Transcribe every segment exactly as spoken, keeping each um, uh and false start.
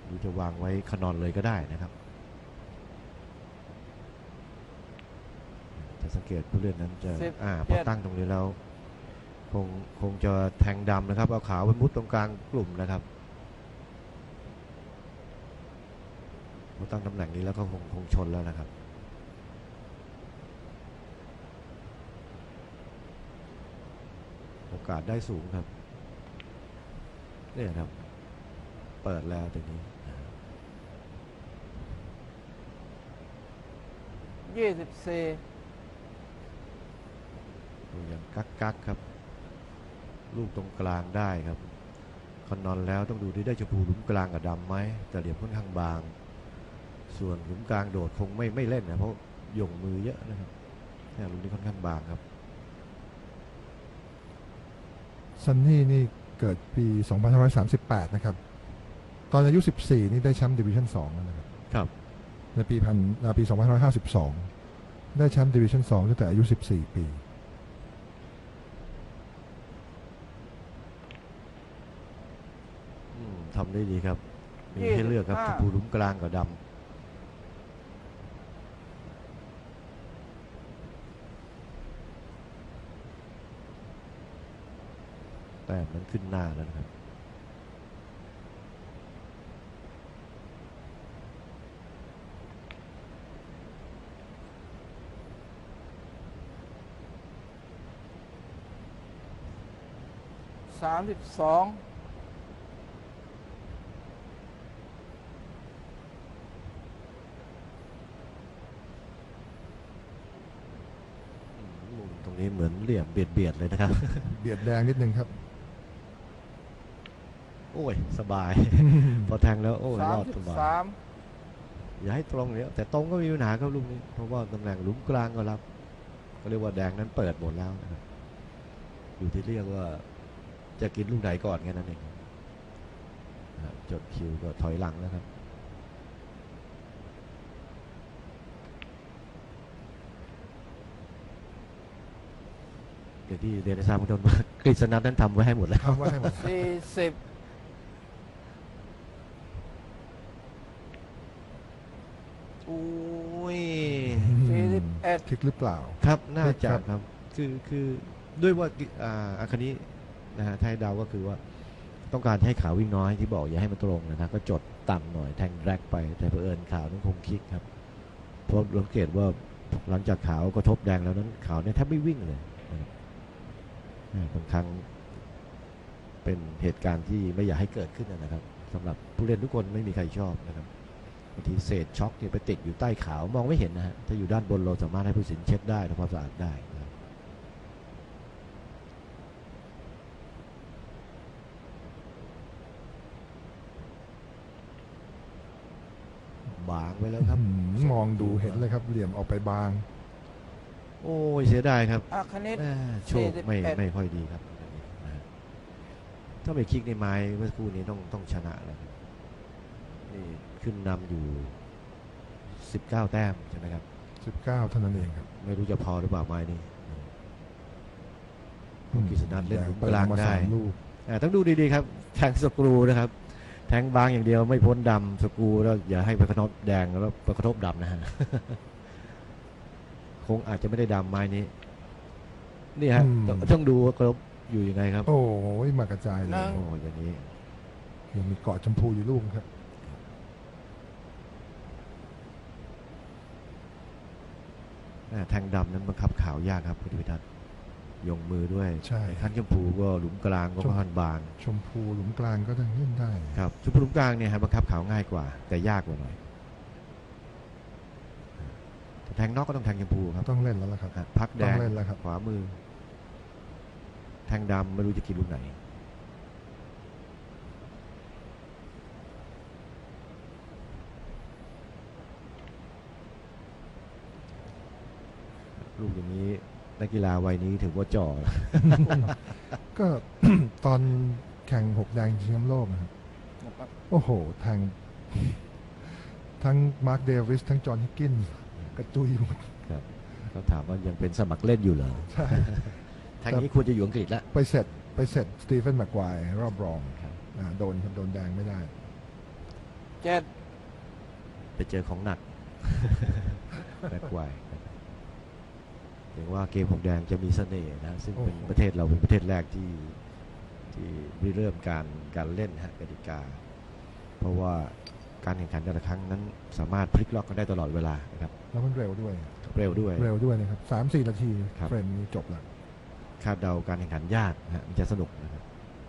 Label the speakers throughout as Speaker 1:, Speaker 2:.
Speaker 1: หรือจะวางไว้ขนอนเลยก็ได้นะครับจะสังเกตผู้เล่นนั้นจะอ่าพอตั้งตรงนี้แล้วคงคงจะแทงดำนะครับเอาขาวไปมุดตรงกลางกลุ่มนะครับพอตั้งตำแหน่งนี้แล้วก็คงคงชนแล้วนะครับโอกาสได้สูงครับเนี่ยครับเปิดแล้วตรงนี้
Speaker 2: ยี่สิบสี่
Speaker 1: ดูอย่างกักกักครับลูกตรงกลางได้ครับคอนนอนแล้วต้องดูที่ได้ชมพูหลุมกลางกับดำไหมแต่เหลี่ยมค่อนข้างบางส่วนหลุมกลางโดดคงไม่ไม่เล่นนะเพราะหย่งมือเยอะนะครับเนี่ยหลุมนี้ค่อนข้างบางครับ
Speaker 3: ซันนี่นี่เกิดปี สองพันห้าร้อยสามสิบแปด นะครับตอนอายุสิบสี่นี่ได้แชมป์ดิวิชั่นสองนะครับ
Speaker 1: ครับ
Speaker 3: ในปีพันปี สองพันห้าร้อยห้าสิบสอง ได้แชมป์ดิวิชั่นสองตั้งแต่อายุสิบสี่ปี
Speaker 1: ทำได้ดีครับมีให้เลือกครับชมพูหลุมกลางกับดำแต่มันขึ้นหน้าแล้วนะครับ
Speaker 2: สามสิบสอง
Speaker 1: ตรงนี้เหมือนเหลี่ยมเบียดเบียดเลยนะครับ
Speaker 3: เบียดแดงนิดนึงครับ
Speaker 1: โอ้ยสบายพอแทงแล้วโอ้ยรอดสบายอย่าให้ตรงเนี้ยแต่ตรงก็มีปัญหาครับลูกนี้เพราะว่าตำแหน่งหลุมกลางก็รับก็เรียกว่าแดงนั้นเปิดหมดแล้วนะครับอยู่ที่เรียกว่าจะกินลูกไหนก่อนแค่นั้นเองจดคิวก็ถอยหลังแล้วครับเดี๋ยวที่เรียนในทราบคุณต้นว่ากฤษณัทนั้นทำไว้ให้หมดแล้ว
Speaker 3: ทำไว้ให้หมด
Speaker 2: สี่สิบ
Speaker 1: อุ้ย
Speaker 2: สี่สิบเอ็ด
Speaker 3: คลิกหรือเปล่า
Speaker 1: ครับน่าจะครับคือคือด้วยว่าอ่าอาคานี้นะฮะไทยดาวก็คือว่าต้องการให้ขาววิ่งน้อยที่บอกอย่าให้มันตรงนะครับก็จดต่ำหน่อยแทงแรกไปแต่เผอิญขาวนั้นคงคลิกครับเพราะสังเกตว่าหลังจากขาวกระทบแดงแล้วนั้นขาวเนี่ยแทบไม่วิ่งเลยบางครั้งเป็นเหตุการณ์ที่ไม่อยากให้เกิดขึ้นนะครับสำหรับผู้เล่นทุกคนไม่มีใครชอบนะครับบางทีเศษช็อคเนี่ยไปติดอยู่ใต้ขาวมองไม่เห็นนะฮะถ้าอยู่ด้านบนเราสามารถให้ผู้สินเช็ดได้ทำความสะอาดได้บางไปแล้วครับ
Speaker 3: มองดูเห็นเลยครับเหลี่ยมออกไปบาง
Speaker 1: โอ้ยเสียดายครับ
Speaker 2: อาคณิต
Speaker 1: โชคไม่ไม่ค่อยดีครับถ้าไปคลิกในไม้เมื่อสักครู่นี้ต้องต้องชนะแล้วนี่ขึ้นนำอยู่สิบเก้าแต้มใช่ไหมครับ
Speaker 3: สิบเก้าเท่านั้นเองครับ
Speaker 1: ไม่รู้จะพอหรือเปล่าไม้นี้กฤษณัทเล่นหลุมกลางได้ต้องดูดีๆครับแทงสกรูนะครับแทงบางอย่างเดียวไม่พ้นดำสกรูแล้วอย่าให้ไปกระทบแดงแล้วไปกระทบดำนะฮะคงอาจจะไม่ได้ดำไม้นี้นี่ฮะต้องดูว่ากระทบอยู่ยังไงครับ
Speaker 3: โอ้ยมากระจายเลย
Speaker 1: โอ้อย่างนี้
Speaker 3: ยังมีเกาะชมพูอยู่ลูกครับ
Speaker 1: แทงดำนั้นบังคับขาวยากครับคุณพิทัศน์ยงมือด้วย
Speaker 3: ใช่
Speaker 1: ขั้นชมพูก็หลุมกลางก็ค่อนบาง
Speaker 3: ชมพูหลุมกลางก็ต้องเล่นได้
Speaker 1: ครับชมพูหลุมกลางเนี่ยครับบังคับขาวง่ายกว่าแต่ยากกว่าหน่อยแทงนอกก็ต้องแทงชมพูครับ
Speaker 3: ต้องเล่นแล้วล่ะครับ
Speaker 1: พักแดงขวามือแทงดำไม่รู้จะกินลูกไหนลูกอย่างนี้นักกีฬาวัยนี้ถือว่าจ่อ
Speaker 3: ก็ตอนแข่งหกแดงชิงแชมป์โลกนะครับโอ้โหแทงทั้งมาร์คเดวิสทั้งจอห์นฮิกกินส์กระจุยหมด
Speaker 1: ครับเขาถามว่ายังเป็นสมัครเล่นอยู่เหรอใช่ทางนี้ควรจะอยู่อังกฤษแล้ว
Speaker 3: ไปเสร็จไปเสร็จสตีเฟนแม็กควายรอบรองโดนครับโดนแดงไม่ได้
Speaker 2: เจ็ด
Speaker 1: ไปเจอของหนัก แบ็คไวท์เห็นว่าเกมของแดงจะมีเสน่ห์นะซึ่งเป็น
Speaker 3: โอ้โห
Speaker 1: ประเทศเราเป็นประเทศแรกที่ที่ริเริ่มการการเล่นฮะกติกา เพราะว่าการแข่งขันแต่ละครั้งนั้นสามารถพลิกล็อกกันได้ตลอดเวลานะครับ
Speaker 3: แล้วมันเร็วด้วย
Speaker 1: เร็วด้วย
Speaker 3: เร็วด้วยนะครับสามสี่นาที
Speaker 1: ครับ
Speaker 3: เฟรมนี้จบแล้ว
Speaker 1: คาดเดาการแข่งขันยากนะฮะมันจะสนุกนะครับ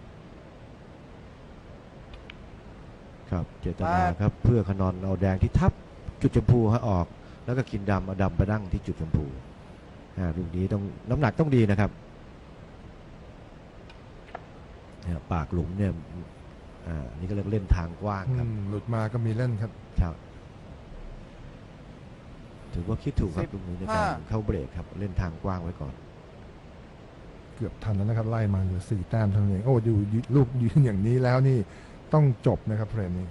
Speaker 1: ครับเจตนาครับเพื่อขนอนเอาแดงที่ทับจุดชมพูให้ออก แล้วก็กินดำเอาดำไปนั่งที่จุดชมพูอ่าลูกนี้ต้องน้ำหนักต้องดีนะครับเนี่ยปากหลุมเนี่ยอ่านี่ก็เรียกเล่นทางกว้างครับ
Speaker 3: อืมหลุดมาก็มีเล่นครับ
Speaker 1: ครับถือว่าคิดถูกครับลูกนี้ในการเข้าเบรกครับเล่นทางกว้างไว้ก่อน
Speaker 3: เกือบทันแล้วนะครับ ไล่มาเหลือสี่แต้มเท่านั้นเองโอ้ดูลูกยืนอย่างนี้แล้วนี่ต้องจบนะครับเฟรมนี้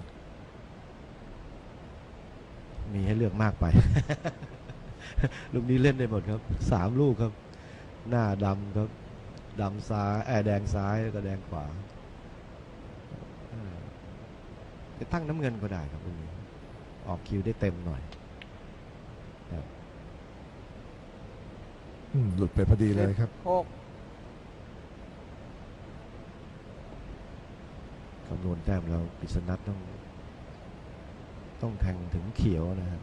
Speaker 1: มีให้เลือกมากไป ลูกนี้เล่นได้หมดครับสามลูกครับ หน้าดำครับดำซ้ายแออแดงซ้ายแล้วก็แดงขวาอ่าจะตั้งน้ำเงินก็ได้ครับลูกนี้ออกคิวได้เต็มหน่อยครับ
Speaker 3: อืมหลุดไปพอดีเลยครับ
Speaker 2: หก
Speaker 1: คำนวณแต้มแล้วกฤษณัทต้อง ต้องแทงถึงเขียวนะครับ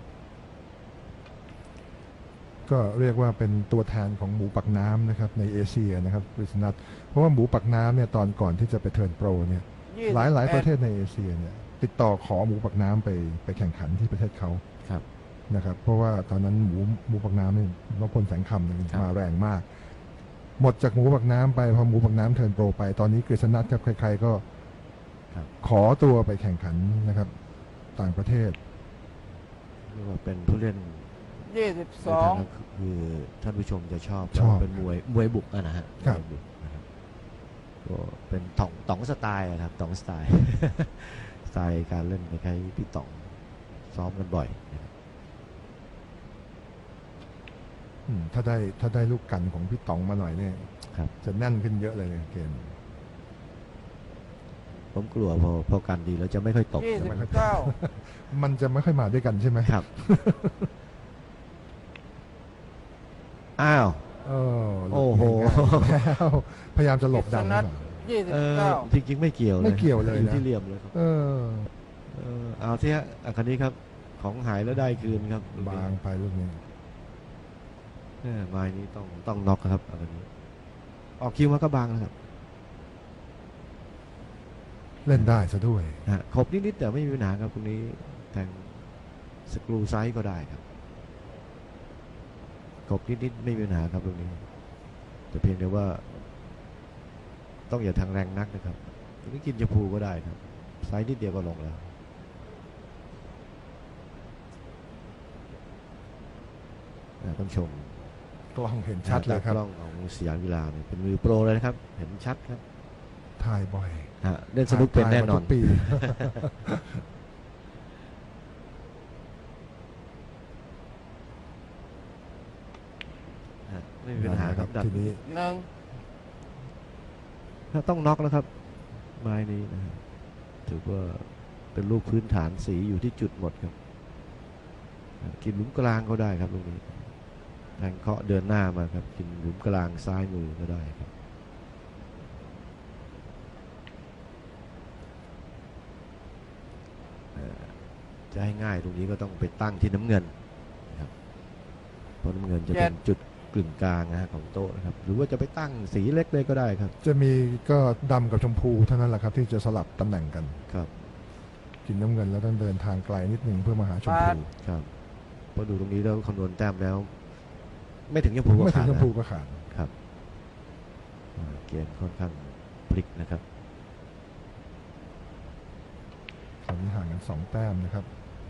Speaker 3: ก็เรียกว่าเป็นตัวแทนของหมูปักน้ำนะครับในเอเชียนะครับกฤษณัทเพราะว่าหมูปักน้ำเนี่ยตอนก่อนที่จะไปเทิร์นโปรเนี่ย
Speaker 2: ยี่สิบ
Speaker 3: หลายหลาย
Speaker 2: อ็ด
Speaker 3: ประเทศในเอเชียเนี่ยติดต่อขอหมูปักน้ำไปไปแข่งขันที่ประเทศเขา
Speaker 1: ครับ
Speaker 3: นะครับเพราะว่าตอนนั้นหมูหมูปักน้ำนี่นพพลแสงคำเนี่ย
Speaker 1: ครับ
Speaker 3: มาแรงมาก หมดจากหมูปักน้ำไปพอหมูปักน้ำเทิร์นโปรไปตอนนี้กฤษณัทครับใครๆก็
Speaker 1: ครับ
Speaker 3: ขอตัวไปแข่งขันนะครับต่างประเทศ
Speaker 1: เรียกว่าเป็นผู้เล่น
Speaker 2: ยี่สิบ
Speaker 1: ใน
Speaker 2: สอง
Speaker 1: ทางคือท่านผู้ชมจะชอบ
Speaker 3: ชอบ
Speaker 1: เป็นมวยมวยบุกอะนะฮะ
Speaker 3: ครับ
Speaker 1: มวยบุกนะครับก็เป็นต๋องต๋องสไตล์อะครับต๋องสไตล์ สไตล์การเล่นคล้ายๆพี่ต๋องซ้อมกันบ่อยนะครับ
Speaker 3: อืมถ้าได้ถ้าได้ลูกกันของพี่ต๋องมาหน่อยเนี่ย
Speaker 1: ครับ
Speaker 3: จะแน่นขึ้นเยอะเลยเกม
Speaker 1: ผมกลัวพอพอกันดีแล้วจะไม่ค่อยตก
Speaker 2: ยี่
Speaker 1: จะ
Speaker 2: สิบ
Speaker 1: ไม่ค่อย
Speaker 2: เก้า
Speaker 3: มันจะไม่ค่อยมาด้วยกันใช่ไหม
Speaker 1: ครับ อ้าว
Speaker 3: เออหลุด
Speaker 1: โอ้โห
Speaker 3: ง่ายๆแล้วพยายามจะหลบดังหรือเปล่า
Speaker 2: ยี่สิบ
Speaker 1: เออ
Speaker 2: เก้า
Speaker 1: จริงๆไม่เกี่ยวเลย
Speaker 3: ไม่เกี่ยวเลยนะ
Speaker 1: อยู่ที่เหลี่ยมเลยครับ
Speaker 3: เออ
Speaker 1: เออเอาที่ฮะอ่ะคันนี้ครับของหายแล้วได้คืนครับลูกนี้
Speaker 3: บางไปลูกนี้
Speaker 1: เออไม้นี้ต้องต้องน็อกครับอันนี้ ออกคิวมาก็บางนะครับ
Speaker 3: เล่นได้ซะด้วย
Speaker 1: นะฮะขบนิดๆแต่ไม่มีปัญหาครับตรงนี้แทงสกรูไซส์ก็ได้ครับขบนิดๆไม่มีปัญหาครับตรงนี้ แต่เพียงแต่ว่า ต้องอย่าทางแรงนักนะครับตรงนี้กินชมพูก็ได้ครับไซส์นิดเดียวก็ลงแล้วอ่าต้องชม
Speaker 3: กล้องเห็นชัดเลยครับ
Speaker 1: กล้องของสยามกีฬาเนี่ยเป็นมือโปรเลยนะครับ เห็นชัดครับ
Speaker 3: ถ่ายบ่อย
Speaker 1: ฮะเล่นสนุกเป็นแน่นอน
Speaker 3: ถ่ายมาทุกปี
Speaker 1: ฮะไม่มีปัญหาครับดัด
Speaker 3: ทีนี้
Speaker 2: หนึ่ง
Speaker 1: ถ้าต้องน็อกแล้วครับ ไม้นี้นะฮะถือว่าเป็นลูกพื้นฐานสีอยู่ที่จุดหมดครับฮะกินหลุมกลางก็ได้ครับลูกนี้แทงเคาะเดินหน้ามาครับ กินหลุมกลางซ้ายมือก็ได้ครับเอ่อจะให้ง่ายตรงนี้ก็ต้องไปตั้งที่น้ำเงินนะครับเพราะน้ำเงินจะเป็นจุดกึ่งกลางนะฮะของโต๊ะนะครับ หรือว่าจะไปตั้งสีเล็กเลยก็ได้ครับ
Speaker 3: จะมีก็ดำกับชมพูเท่านั้นแหละครับ ที่จะสลับตำแหน่งกัน
Speaker 1: ครับ
Speaker 3: กินน้ำเงินแล้วต้องเดินทางไกลนิดนึงเพื่อมาหาชมพู
Speaker 1: ครับพอดูตรงนี้แล้วคำนวณแต้มแล้ว ไม่ถึงชมพูก็
Speaker 3: ไม่ถึ
Speaker 1: ขาง ด
Speaker 3: ชม
Speaker 1: นะ
Speaker 3: พูก็ขาด
Speaker 1: ครับอ่าเกมค่อนข้างพลิกนะครับ
Speaker 3: ตอนนี้ห่างกันสองแต้มนะครับ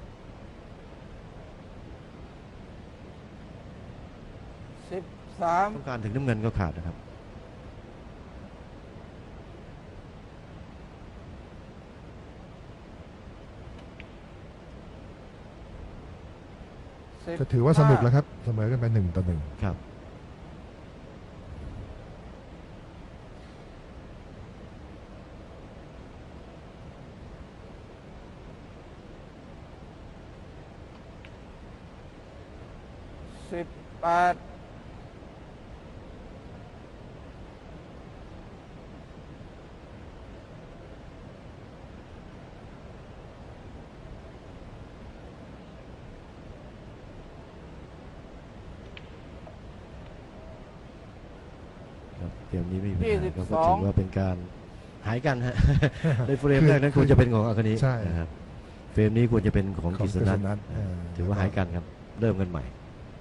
Speaker 2: สิบสาม
Speaker 1: ต้องการถึงน้ำเงินก็ขาดนะครับ
Speaker 2: สิบ
Speaker 3: จะถือว่าสนุกแล้วครับ เสมอกันไปหนึ่งต่อหนึ่ง
Speaker 1: ครับ
Speaker 2: สิบแปด
Speaker 1: ครับเกมนี้ไม่มีปัญ
Speaker 2: ยี่
Speaker 1: หา
Speaker 2: สิบ
Speaker 1: ครับ
Speaker 2: ส
Speaker 1: ก็
Speaker 2: อง
Speaker 1: ถือว่าเป็นการหายกันฮะ ในเฟรมแรกนั้นควรจะเป็นของอาคานิ
Speaker 3: ใช่
Speaker 1: นะครับเฟรมนี้ควรจะเป็นของ
Speaker 3: ของ
Speaker 1: กิษณัท
Speaker 3: กฤษณัท
Speaker 1: อ่า
Speaker 3: เออ
Speaker 1: ถือว่าหายกันครับเริ่มกันใหม่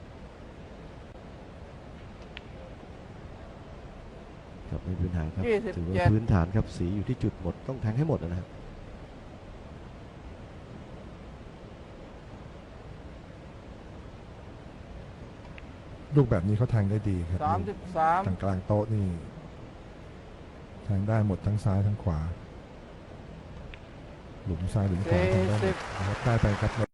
Speaker 1: ครับไม่มีปัญหาครับ
Speaker 2: ยี่สิบ
Speaker 1: ถือว่า
Speaker 2: เจ็ด
Speaker 1: พื้นฐานครับสีอยู่ที่จุดหมดต้องแทงให้หมดนะครับ
Speaker 3: ลูกแบบนี้เขาแทงได้ดีครับ
Speaker 2: สามสิบสาม
Speaker 3: ทางกลางโต๊ะนี่แทงได้หมดทั้งซ้ายทั้งขวา หลุมซ้ายหลุมขวา
Speaker 2: สี่
Speaker 3: แทงได้หม
Speaker 2: สิ
Speaker 3: ด
Speaker 2: บ
Speaker 3: นะครับได้ไปครับ